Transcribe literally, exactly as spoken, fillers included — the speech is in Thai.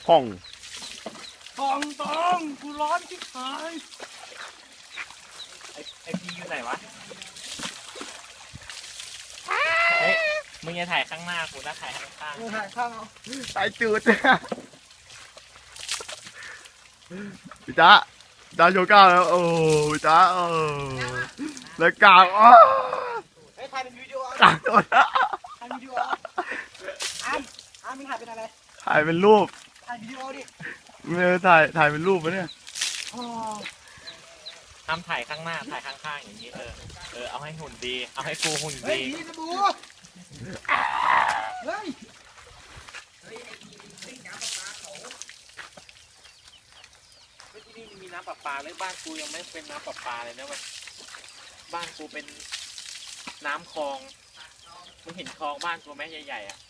ห้องตองตองกูร้อนที่หายไอไอพีอยู่ไหนวะเฮ้ยมึงอย่าถ่ายข้างหน้ากูนะถ่ายข้างข้างมึงถ่ายข้างเอาสายจืดพี่จ๊ะจ๊ะโชว์กล้ามแล้วโอ้พี่จ๊ะเออแล้วกล้ามอ๋อเฮ้ยถ่ายเป็นวิดีโอกล้ามโดนถ่ายวิดีโออ้ามอ้ามมึงถ่ายเป็นอะไรถ่ายเป็นรูปถ่ายวิดีโอดิไม่ได้ถ่ายถ่ายเป็นรูปปะเนี่ยอ๋อห้ามถ่ายข้างหน้าถ่ายข้างข้างอย่างนี้เออเออเอาให้หุ่นดีเอาให้กูหุ่นเฮ้ยดีผีสบู่เฮ้ยเฮ้ยที่นี่มีน้ำประปาเลยบ้านกูยังไม่เป็นน้ำประปาเลยนะเว้ยบ้านกูเป็นน้ำคลองมึงเห็นคลองบ้านกูไหมใหญ่ๆอ่ะ